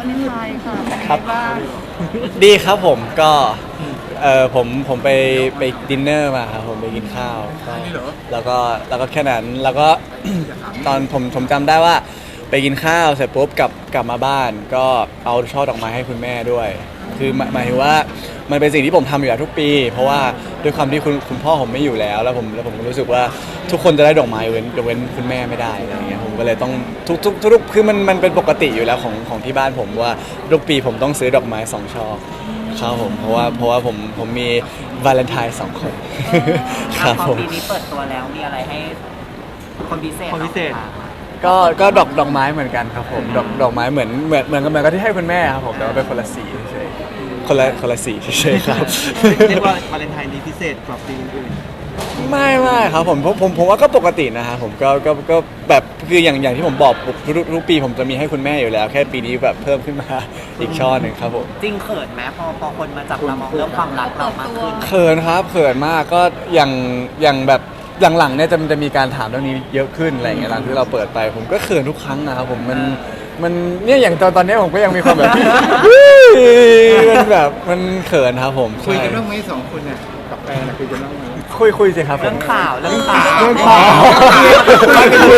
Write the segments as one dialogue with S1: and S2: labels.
S1: เลนไทน์ค่ะเป็น
S2: ครั
S1: ไง
S2: บ
S1: บ้าง
S2: ดีครับผมก็ผมไปดินเนอร์มาครับผมไปกินข้าวก็แล้วก็แค่นั้นแล้วก็ ตอนผมจำได้ว่าไปกินข้าวเสร็จปุ๊บกลับมาบ้านก็เอาช่อดอกไม้ให้คุณแม่ด้วยคือหมายถึงว่ามันเป็นสิ่งที่ผมทำอยู่แล้วทุกปี เพราะว่าด้วยความที่คุณพ่อผมไม่อยู่แล้วผมก็รู้สึกว่าทุกคนจะได้ดอกไม้ยกเว้นคุณแม่ไม่ได้อะไรอย่างเงี้ยผมก็เลยต้องทุกคือมันเป็นปกติอยู่แล้วของที่บ้านผมว่าทุกปีผมต้องซื้อดอกไม้2 ช่อครับผมเพราะว่าผมมีวาเลนไทน์2 คนครับผม
S3: ปีนี้เปิดตัวแล้วมีอะไรให้คนพิเศษ
S4: คนพิเศษ
S2: ก็ดอกไม้เหมือนกันครับผมดอกไม้เหมือนกับที่ให้คุณแม่ครับผมแต่ว่าเป็นคนละสีเฉยๆคนละสีเฉยๆครับ
S4: เรียกว่าวาเลนไทน์นี้พิเศษกว่าปีอื่น
S2: ไม่ครับผมว่าก็ปกตินะฮะผมก็แบบคืออย่างที่ผมบอกทุกปีผมจะมีให้คุณแม่อยู่แล้ว แค่ปีนี้แบบเพิ่มขึ้นมาอีกช่อหนึ่งครับผม
S3: จริงเขินไหมพอคนมาจับตามองเรื่องความรักเรามากขึ้น
S2: เขินครับเขินมากก็อย่างแบบหลังๆเนี่ยจะมีการถามเรื่องนี้เยอะขึ้นอะไรอย่างเงี้ยหลังที่เราเปิดไปผมก็เขินทุกครั้งนะครับผมมันเนี่ยอย่างตอนนี้ผมก็ยังมีความแบบ มันแบบมันเขินครับผม
S5: คุยกัน
S2: ใช่
S5: เรื่องไหม2 คนเนี่ยกับแฟนน่ะคุยกันเรื่องไหม
S2: คุยสิครับผม
S3: เรื่องข่าวเรื่องข่าว
S2: เรื่องข่าวคุย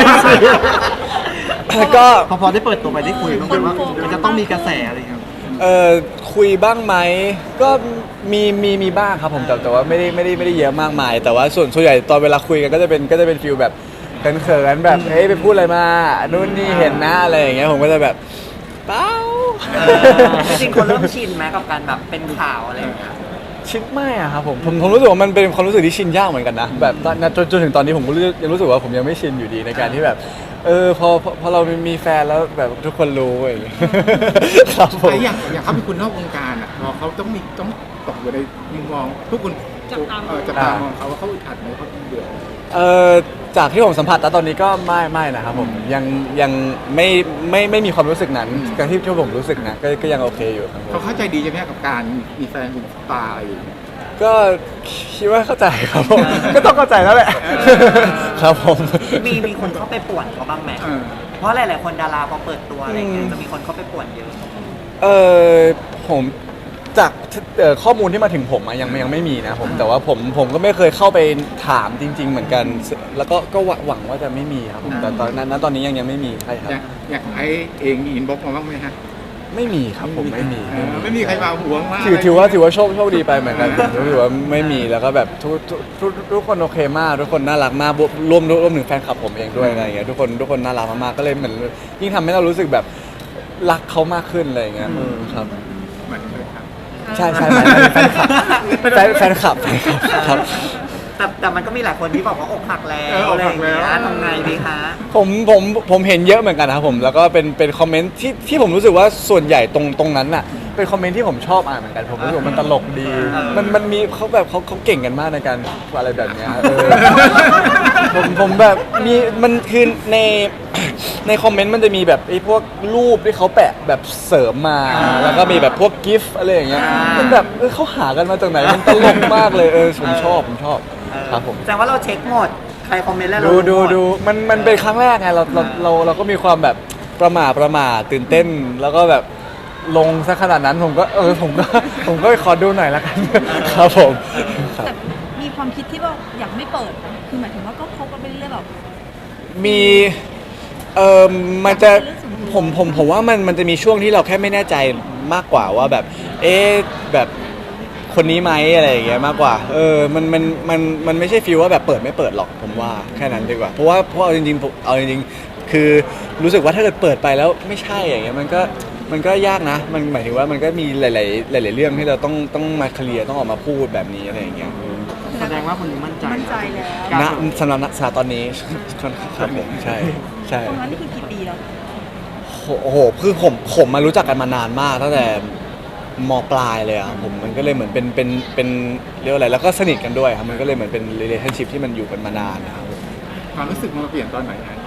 S2: แล้วก็
S4: พอได้เปิดตัวไปได้คุยบ้างไหมว่ามันจะต้องมีกระแสอะไรอย่างเงี้ย
S2: คุยบ้างไหมก็มีบ้างครับผมแต่ว่าไม่ได้เยอะมากมาย แต่ว่าส่วนใหญ่ตอนเวลาคุยกันก็จะเป็นฟีลแบบเขินๆแบบเฮ้ยไปพูดอะไรมานู่นนี่เห็นหน้าอะไรอย่างเงี้ยผมก็จะแบบเปล่า
S3: จริงๆคนเริ่มชินไหมกับการแบบเป็นข่าวอะไรอย่างเงี้ย
S2: ชินไม่อะครับผมรู้สึกว่ามันเป็นความรู้สึกที่ชินยากเหมือนกันนะแบบจนถึงตอนนี้ผมก็ยังรู้สึกว่าผมยังไม่ชินอยู่ดีในการที่แบบพอเรามีแฟนแล้วแบบทุกคนรู้อย่างเงี้ยครับผม
S5: แต่อย่างเขาเป็นคนนอกวงการอ่ะพอเขาต้องตกอยู่ในมุมมองทุกคนจับตามองเขาว่าเขาอึดอัดไหมเขาเบื่อ
S2: จากที่ผมสัมผัสตอนนี้ก็ไม่นะครับผมยังไม่มีความรู้สึกนั้นการที่ผมรู้สึกนะก็ยังโอเคอยู่ครับผม
S5: เขาเข้าใจดีใช่ไหมกับการมีแฟนเป็นสตาร์อะไรอย่างเงี้ย
S2: ก็คิดว่าเข้าใจครับผมก็ต้องเข้าใจแล้วแหละครับผม
S3: มีคนเข้าไปป่วนเขาบ้างไหม
S5: เออ
S3: เพราะหลายๆคนดาราพอเปิดตัวอะไรเงี้ยจะมีคนเข้าไปป่วนเยอะ
S2: ผมจากข้อมูลที่มาถึงผมอะยังไม่มีนะผมแต่ว่าผมก็ไม่เคยเข้าไปถามจริง ๆ เหมือนกัน แล้วก็หวังว่าจะไม่มีครับผมแต่ตอนนี้ยังไม่มีใช่ครับ
S5: อย่างไอ้เองมีอินบ็อกซ์มาบ้างไหมฮะ
S2: ไม่มีครับผมไม่มี
S5: ไม่มีใครมาหวงมาก
S2: ถือว่าโชคดีไปเหมือนกันถือว่าไม่มีแล้วก็แบบทุกคนโอเคมากทุกคนน่ารักมากรวมถึงแฟนคลับผมเองด้วยอะไรอย่างเงี้ยทุกคนน่ารักมากๆก็เลยเหมือนยิ่งทำให้เรารู้สึกแบบรักเขามากขึ้นอะไรอย่างเงี้ยครับ
S5: เหมือนเลยครับ
S2: ใช่แฟนคลับครับ
S3: แต่มันก็มีหลายคนที่บอกว่าอกหักแล้วอะไรอย่างเงี้ยทำไงดีคะ
S2: ผมเห็นเยอะเหมือนกันนะครับผมแล้วก็เป็นคอมเมนต์ที่ผมรู้สึกว่าส่วนใหญ่ตรงนั้นน่ะเป็นคอมเมนต์ที่ผมชอบอ่านเหมือนกันผมรู้สึกว่ามันตลกดีมันมีเขาแบบเขาเก่งกันมากในการอะไรแบบเนี้ยผมแบบมีมันคือในคอมเมนต์มันจะมีแบบไอ้พวกรูปที่เขาแปะแบบเสริมมาแล้วก็มีแบบพวกกิฟต์อะไรอย่างเงี้ยมันแบบเขาหากันมาจากไหนมันตลกมากเลยผมชอบครับผม
S3: แสดงว่าเราเช็คหมด ใครคอมเมนต์แล้วเรา
S2: ดูมันเป็นครั้งแรกไงเราก็มีความแบบประหม่าตื่นเต้น แล้วก็แบบลงซะขนาดนั้นผมก็ขอดูหน่อยละกันครับผมครับ
S1: แต่มีความคิดที่ว่าอยากไม่เปิดนะคือหมายถึงว่าก็คบกันไปเรื่อยๆแบบ
S2: มีมันจะผมว่ามันจะมีช่วงที่เราแค่ไม่แน่ใจมากกว่าว่าแบบแบบคนนี้ไหมอะไรอย่างเงี้ยมากกว่ามันไม่ใช่ฟีลว่าแบบเปิดไม่เปิดหรอกผมว่าแค่นั้นดีกว่าเพราะเอาจริงๆคือรู้สึกว่าถ้าเกิดเปิดไปแล้วไม่ใช่อย่างเงี้ยมันก็ยากนะมันหมายถึงว่ามันก็มีหลายเรื่องที่เราต้องมาเคลียร์ต้องออกมาพูดแบบนี้อะไรอย่างเงี้ย
S4: แสดงว่าคนนี้มั่นใจ
S1: มั่นใจแล้ว
S2: สำหรับนักศึกษาตอนนี้ครับผมใช่
S1: ตรงนั้นนี่คือกี่ปีแล้ว
S2: โอ้โหคือผมมารู้จักกันมานานมากตั้งแต่มปลายเลยอ่ะผมมันก็เลยเหมือนเป็นเรียกว่าอะไรแล้วก็สนิทกันด้วยครับมันก็เลยเหมือนเป็น relationship ที่มันอยู่กันมานานนะครับ
S5: ความรู้สึกมันมาเปลี่ยนตอนไหนฮะ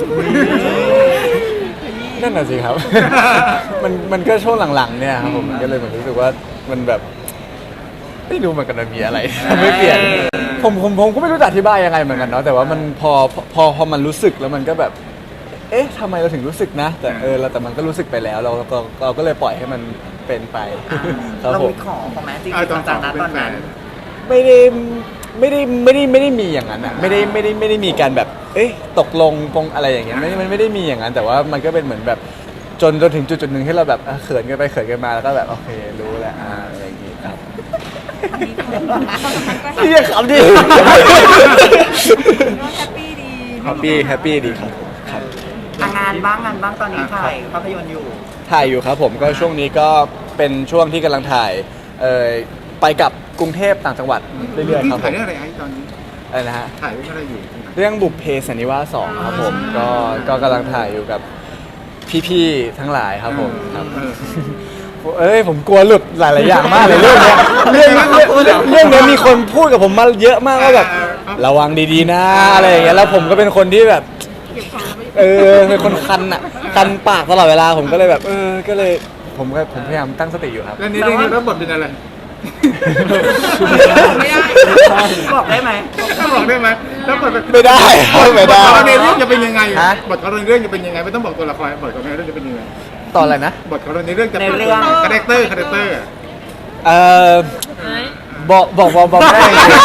S2: นั่นน่ะสิครับ มันก็ช่วงหลังๆเนี่ยครับผมมันก็เลยเหมือนรู้สึกว่ามันแบบไม่รู้เหมือนกันมันมีอะไร ไม่เปลี่ยนผมก็ไม่รู้จะอธิบายยังไงเหมือนกันเนาะแต่ว่ามันพอมันรู้สึกแล้วมันก็แบบเอ๊ะทำไมเราถึงรู้สึกนะ แต่แต่มันก็รู้สึกไปแล้วเราก็เลยปล่อยให้มันเป็นไปครับ
S3: เรา
S2: ผม
S3: มีขอเขาไหมจริง
S5: ตอน
S3: ๆจังๆนะตอนนั้น
S2: ไม่ได้มีอย่างนั้นอ่ะไม่ได้มีการแบบเอ๊ะตกลงปงอะไรอย่างเงี้ยมันไม่ได้มีอย่างนั้นแต่ว่ามันก็เป็นเหมือนแบบจนถึงจุดหนึ่งที่เราแบบเขินกันไปเขินกันมาแล้วก็แบบโอเครู้แล้วอะไรอย่างงี้ครับ
S1: อันนี้ความสัมพันธ์ก็
S2: เรียกคำดิ
S1: ก็แฮปปี้ดี
S2: แฮปปี้ดีครับผมครับ
S3: งานบ้างตอนนี้ถ่ายภาพยนตร์อยู่
S2: ถ่ายอยู่ครับผมก็ช่วงนี้ก็เป็นช่วงที่กำลังถ่ายไปกับกรุงเทพต่างจังหวัดเรื่อยๆครับผ
S5: ถ่าย
S2: ม
S5: เรื่องอะไรไอ้ตอนนี้
S2: อะไรนะฮะ
S5: ถ่ายเรื่องอะไรอยู่ที่ไหน
S2: เรื่องบุพเพสันนิวาส2ครับผมก็กำลังถ่ายอยู่กับพี่ๆทั้งหลายครับผมครับ ผมกลัวหลุดหลายๆอย่างมากเลยเรื่องเนี้ยเรื่องนี้มีคนพูดกับผมมาเยอะมากว่าแบบระวังดีๆนะอะไรอย่างเงี้ยแล้วผมก็เป็นคนที่แบบเป็นคนคันปากตลอดเวลาผมก็เลยแบบก็เลยผมพยายามตั้งสติอยู่ครับ
S5: แล้วนี่เรื่องนี้รับบทเป็นอะไร
S1: ไม่ได้
S3: บอกได้ไหม
S5: บอกได้ไหมแล้วบทเป็น
S2: ไม่ได้ไม่ได้
S5: บทเขาในเรื่องจะเป็นยังไง
S2: ฮะ
S5: บทเขาในเรื่องจะเป็นยังไงไม่ต้องบอกตัวละครบทเขาในเรื่องจะเป็นยังไง
S2: ตอนอะไรนะ
S5: บทเขาในเรื่องจะเป็น
S3: ในเรื่อง
S5: คาแรคเตอร์
S2: บอกไม่ได้จริง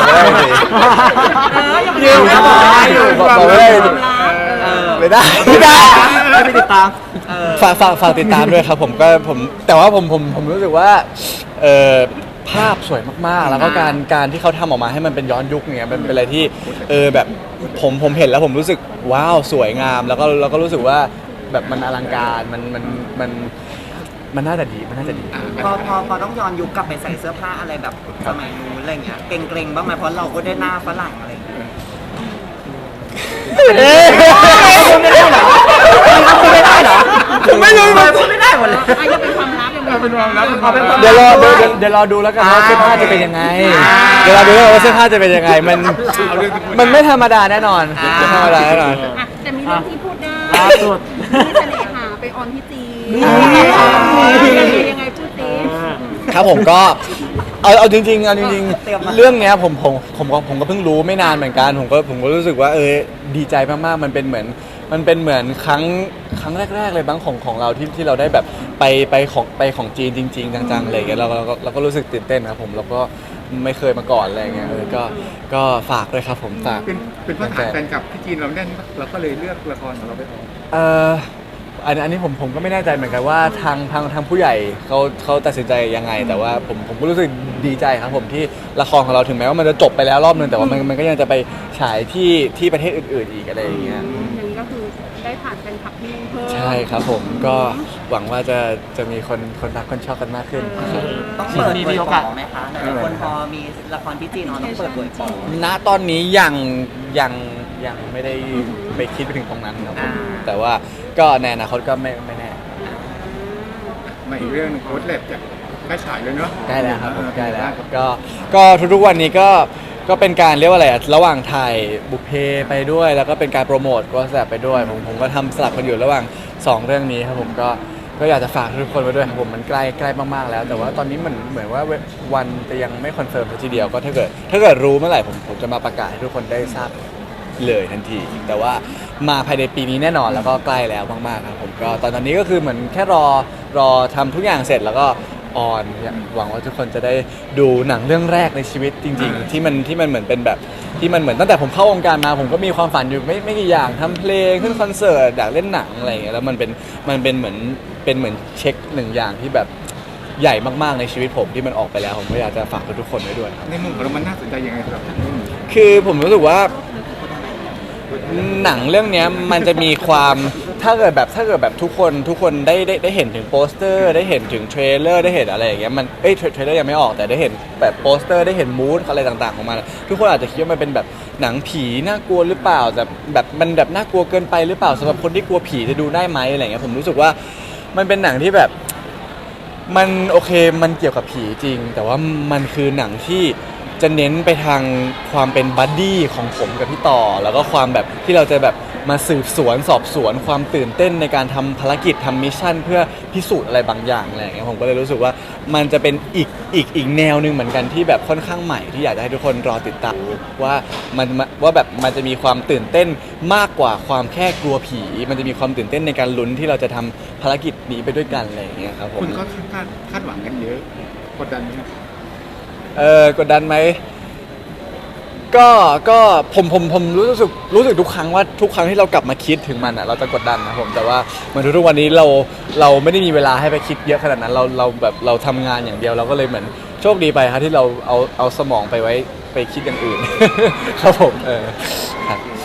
S2: บอกไม่ได้จริงไม่ได้
S4: ไม่ติดตาม
S2: ฝากติดตามด้วยครับผมแต่ว่าผมรู้สึกว่าภาพสวยมากๆแล้วก็การที่เขาทำออกมาให้มันเป็นย้อนยุคเงี้ยเป็นอะไรที่แบบผมเห็นแล้วผมรู้สึกว้าวสวยงามแล้วก็รู้สึกว่าแบบมันอลังการมันน่าจะดี
S3: พอต้องย้อนยุคกลับไปใส่เสื้อผ้าอะไรแบบสมัยนู้นอะไรเงี้ยเกรงๆบ้างไหมเพราะเราก็ได้หน้าฝรั่งอะไรอย่างเงี้ยไม่ได้เหรอ
S2: ไม่รู้
S3: พูดไม่ได้หมดเลย
S1: อาจจะเป็นความลับยังไง
S5: เป็นความลับ
S2: เดี๋ยวรอดูแล้วกันว่าเสื้อผ้าจะเป็นยังไงเดี๋ยวรอดูว่าเสื้อผ้าจะเป็นยังไงมันไม่ธรรมดาแน่นอนไม่ธรรมดาแน่นอน
S1: อ่ะแต่มีเรื่องที่พูดได้
S4: ล่าสุด
S1: มีเสน่หาไปออนที่จีน
S2: อ่า
S1: ยังไงพูดสิ
S2: ครับผมก็เอาจริงๆเรื่องเนี้ยผมก็เพิ่งรู้ไม่นานเหมือนกันผมก็รู้สึกว่าดีใจมากๆมันเป็นเหมือนครั้งแรกๆเลยบ้างของเราที่เราได้แบบไปของจีนจริงๆจังๆอะไรอย่างเงี้ยเราก็รู้สึกตื่นเต้นครับผมแล้วก็ไม่เคยมาก่อนอะไรอย่างเงี้ยก็ฝากด้วยครับผมฝาก
S5: เป็นเพราะฐานแฟนคลับที่จีนเราแน่นเราก็เลยเลือกละครของเราไปออก
S2: อันนี้ผมก็ไม่แน่ใจเหมือนกันว่าทางผู้ใหญ่เขาตัดสินใจยังไง แต่ว่าผมก็รู้สึกดีใจครับผมที่ละครของเราถึงแม้ว่ามันจะจบไปแล้วรอบนึงแต่ว่ามันก็ยังจะไปฉายที่ประเทศอื่นๆอีกอะไรอย่างเงี้ย
S1: อย่างนี้ก็คือได้ผ่านแฟนคลับที่นู่นเพิ่ม
S2: ใช่ครับผมก็หวังว่าจะมีคนรักคนชอบกันมากขึ้นครับ
S3: ต้องเปิดเผยของไหมคะหลายๆคนพอมีละครที่จีนเราต้องเปิดเผยของ
S2: ณตอนนี้ยังไม่ได้ไปคิดไปถึงตรงนั้นครับผมแต่ว่าก็ในอนาคตก็ไม่แน่
S5: มาอีกเรื่องหนึงโค้ดแลบจากใกล้ฉายเลยเนาะ
S2: ใกล้แล้วครับผมใกล้แล้วก็ทุกๆวันนี้ก็เป็นการเรียกว่าอะไรอะระหว่างถ่ายบุพเพไปด้วย แล้วก็เป็นการโปรโมทก็แสบไปด้วยผมก็ทำสลับกันอยู่ระหว่าง2เรื่องนี้ครับผมก็อยากจะฝากทุกคนไว้ด้วยครับผมมันใกล้มากๆแล้ว แต่ว่าตอนนี้มันเหมือนว่าวันจะยังไม่คอนเฟิร์มทีเดียวก็ถ้าเกิดรู้เมื่อไหร่ผมจะมาประกาศให้ทุกคนได้ทราบเลยทันที แต่ว่ามาภายในปีนี้แน่นอนแล้วก็ใกล้แล้วมากๆครับผมก็ตอนนี้ก็คือเหมือนแค่รอทำทุกอย่างเสร็จแล้วก็ออนหวังว่าทุกคนจะได้ดูหนังเรื่องแรกในชีวิตจริงๆที่มันเหมือนเป็นแบบที่มันเหมือนตั้งแต่ผมเข้าวงการมาผมก็มีความฝันอยู่ไม่กี่อย่างทำเพลงขึ้นคอนเสิร์ตอยากเล่นหนังอะไรอย่างเงี้ยแล้วมันเป็นเหมือนเช็คหนึ่งอย่างที่แบบใหญ่มากๆในชีวิตผมที่มันออกไปแล้วผมก็อยากจะฝากทุกคนไว้ด้วยครับ
S5: ในมุมของเรามันน่าสนใจยังไงสำหรับเรื่องนี้
S2: คือผมรู้สึกว่าหนังเรื่องเนี้ยมันจะมีความถ้าเกิดแบบทุกคนได้เห็นถึงโปสเตอร์ได้เห็นถึงเทรลเลอร์ได้เห็นอะไรอย่างเงี้ยมันเทรลเลอร์ยังไม่ออกแต่ได้เห็นแบบโปสเตอร์ได้เห็นมูดอะไรต่างๆของมันทุกคนอาจจะคิดว่ามันเป็นแบบหนังผีน่ากลัวหรือเปล่าแต่แบบมันแบบน่ากลัวเกินไปหรือเปล่าสำหรับคนที่กลัวผีจะดูได้ไหมอะไรเงี้ยผมรู้สึกว่ามันเป็นหนังที่แบบมันโอเคมันเกี่ยวกับผีจริง แต่ว่ามันคือหนังที่จะเน้นไปทางความเป็นบัดดี้ของผมกับพี่ต่อ แล้วก็ความแบบที่เราจะแบบมาสืบสวนสอบสวนความตื่นเต้นในการทำภารกิจทำมิชชั่นเพื่อพิสูจน์อะไรบางอย่างอะไรอย่างเงี้ยผมก็เลยรู้สึกว่ามันจะเป็นอีกแนวหนึ่งเหมือนกันที่แบบค่อนข้างใหม่ที่อยากจะให้ทุกคนรอติดตามว่าแบบมันจะมีความตื่นเต้นมากกว่าความแค่กลัวผี มันจะมีความตื่นเต้นในการลุ้นที่เราจะทำภารกิจนี้ไปด้วยกันอะไรอย่างเงี้ยครับผม
S5: คุณก็คาดหวังกันเยอะกดดันไหมครับ
S2: กดดันไหมก็ผมรู้สึกทุกครั้งว่าทุกครั้งที่เรากลับมาคิดถึงมันอ่ะเราจะกดดันนะผมแต่ว่าเหมือนทุกวันนี้เราไม่ได้มีเวลาให้ไปคิดเยอะขนาดนั้นเราแบบเราทำงานอย่างเดียวเราก็เลยเหมือนโชคดีไปครับที่เราเอาสมองไปไว้ไปคิดอย่างอื่น ครับผมครับ